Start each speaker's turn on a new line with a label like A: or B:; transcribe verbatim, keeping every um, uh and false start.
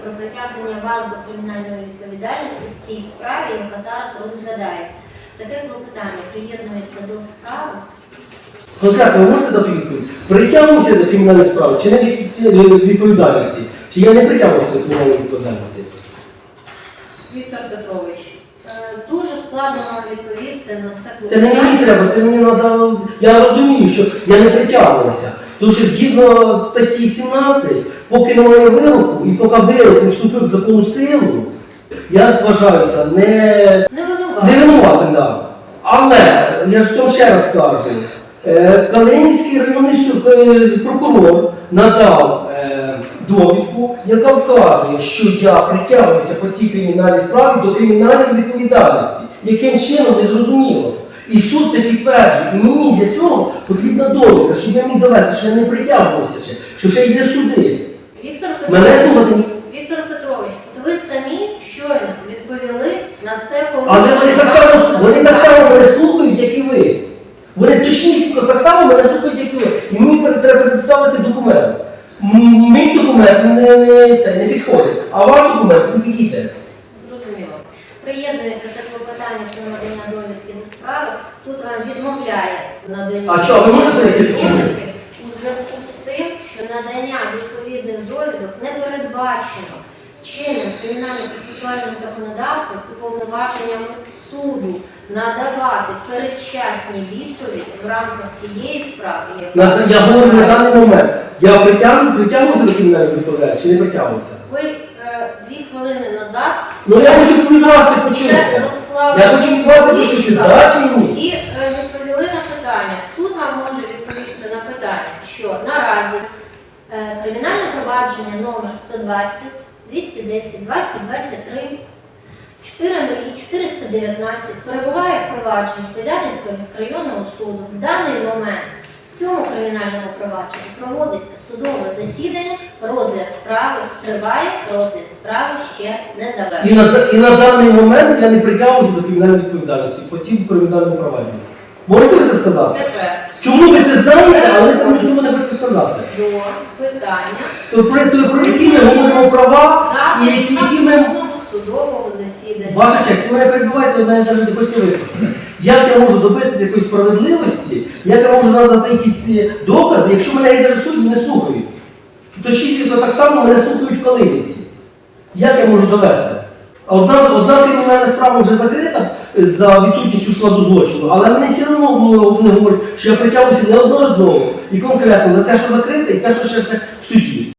A: про притягнення вас до кримінальної відповідальності в цій справі, яка зараз розглядається. Таке клопотання приєднується до справи.
B: Конкретно, ви можете дати відповідь? Притягнувся до кримінальної справи чи не від відповідальності? Чи я не притягнувся до кримінальної відповідальності?
A: Віктор Петрович, дуже складно вам відповісти на це клопотання.
B: Це не мені треба, це мені треба. Я розумію, що я не притягувався. Тому що згідно статті сімнадцять, поки немає вироку і поки вирок не вступив в законну силу, я вважаюся не,
A: Не винуватим.
B: не винуватим. Да. Але, я ж цьому ще раз кажу, е, Калинівський районний суд, е, прокурор надав е, довідку, яка вказує, що я притягувався по цій кримінальній справі до кримінальної відповідальності. Яким чином, не зрозуміло. І суд це підтверджує. І мені для цього потрібна довідка, щоб я міг довести, що я не притягувався ще, що ще йде суди.
A: Віктор
B: Мене
A: Петрович,
B: слухати.
A: Віктор Петрович, от ви самі щойно відповіли на це
B: Але вони
A: порушення
B: так само,
A: закону.
B: вони так само мене слухають, як і ви. Вони точнісінько так само мене слухають, як і ви. І мені перед- треба представити документ. М- Мій документ не, не, це, не підходить, а ваш документ він підійде.
A: Зрозуміло. Приєднується це клопотання про надання довідки до справи. Суд вам відмовляє в наданні
B: А чого, ви можете пояснити, чому?
A: довідки у зв'язку з тим, що надання відповідних довідок не передбачено чинним кримінально-процесуальним законодавством і повноваженнями суду надавати передчасні відповіді в рамках тієї справи, яка
B: На- Я говорю на даний момент. Я притягну, притягнувся до кримінальної відповідальності чи не притягнувся?
A: ви е, дві хвилини назад
B: Ну я хочу від вас це почути.
A: це розклали
B: Я хочу від вас це
A: в
B: почути,
A: ліжках
B: да чи ні?
A: і е, відповіли на питання. Суд вам може відповісти на питання, що наразі е, кримінальне провадження номер сто двадцять, двісті десять, двадцять, двадцять три, чотириста дев'ятнадцять перебуває в провадженні Козятинського міськрайонного суду. В даний момент в цьому кримінальному провадженні проводиться судове засідання, розгляд справи триває, розгляд справи ще не
B: І
A: завершений.
B: на, і на даний момент я не притягнувся до кримінальної відповідальності по цим кримінальним провадженням. Можете ви це сказати?
A: Тепер
B: Чому ви це знаєте, але ви це не цього не хочете сказати?
A: до питання
B: То про, то, про які ми говоримо права і
A: дати
B: які, які ми...
A: наступного судового засідання.
B: Ваша честь, ви мене перебуваєте, ви мене навіть не хочете вислухати. Як я можу добитися якоїсь справедливості, як я можу надати якісь докази, якщо мене навіть судді не слухають? То шість так само мене слухають в Калинівці. Як я можу довести? А Одна, одна кримінальна справа вже закрита за відсутністю складу злочину, але вони все одно вони говорять, що я притягнувся неодноразово і конкретно за це, що закрите, і це, що ще, ще в суді.